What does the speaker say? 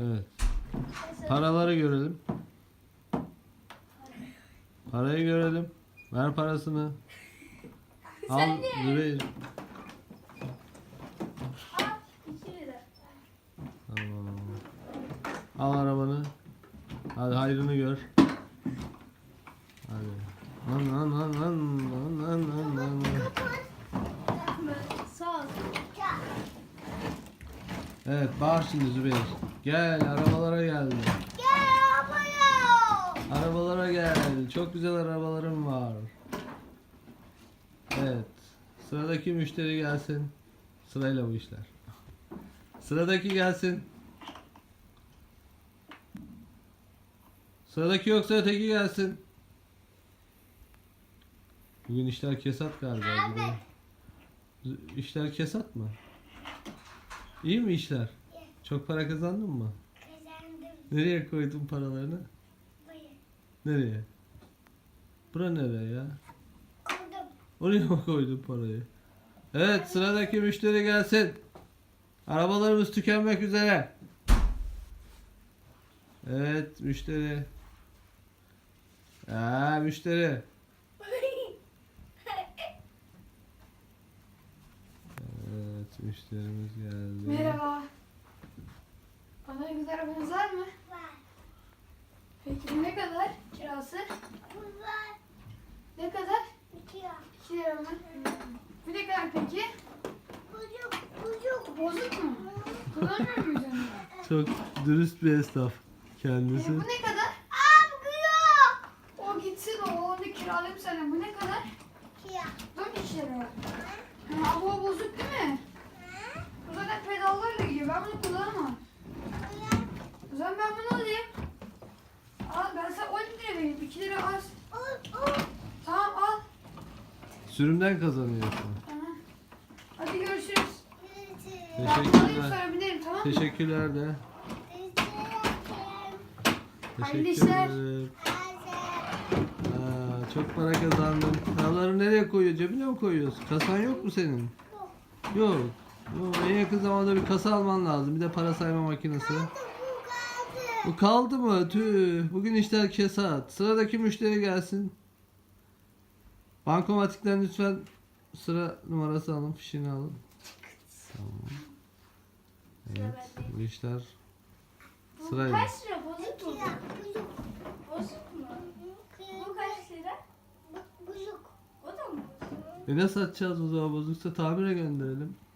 Evet. Paraları görelim. Parayı görelim. Ver parasını. Al Zübeyir. Tamam. Al arabanı. Hadi hayrını gör. Hadi. Sağ ol. Evet bağır şimdi Zübeyir. Gel arabalara geldi. Gel abone. Arabalara gel. Çok güzel arabalarım var. Evet. Sıradaki müşteri gelsin. Sırayla bu işler. Sıradaki gelsin. Sıradaki yoksa öteki gelsin. Bugün işler kesat galiba. İşler kesat mı? İyi mi işler? Çok para kazandın mı? Kazandım. Nereye koydun paralarını? Buraya. Nereye? Bura nereye ya? Koydum. Oraya mı koydun parayı? Evet sıradaki müşteri gelsin. Arabalarımız tükenmek üzere. Evet müşteri. Müşteri. Evet müşterimiz geldi. Merhaba. Bana güzel arabanız var mı? Var. Peki bu ne kadar kirası? Bu var. Ne kadar? 2 lira. 2 lira mı? Bu ne kadar peki? Bozuk. Bozuk. Bozuk mu? Kullanmıyor muyuz onu? Çok dürüst bir esnaf kendisi. Bu ne kadar? Aa bu yok. O gitsin o onu kiralayayım sana. Bu ne kadar? 2 lira. 4 lira. Ha, bu bozuk değil mi? Bu zaten pedallarla gidiyor. Ben bunu kullanamam. O zaman ben bunu alayım. Al ben sana 10 lira vereyim. 2 lira az. Tamam al. Sürümden kazanıyorsun. Tamam. Hadi görüşürüz. Ben alayım Teşekkürler. sonra binerim tamam mı? Teşekkürler de. Hayırlı Teşekkür işler. ederim. Çok para kazandın. Paraları nereye koyuyor? Cebine mi koyuyorsun? Kasan yok mu senin? Yok. Yok. En yakın zamanda bir kasa alman lazım. Bir de para sayma makinesi. Bu kaldı mı? Tüh. Bugün işler kesat. Sıradaki müşteri gelsin. Bankomatikten lütfen sıra numarası alın. Fişini alın. Tamam. Evet. Bu işler sırayla. Kaç lira bozuk mu? Bozuk mu? Bu kaç lira? Bozuk. O da mı bozuk? Ne satacağız o zaman? Bozuksa tamire gönderelim.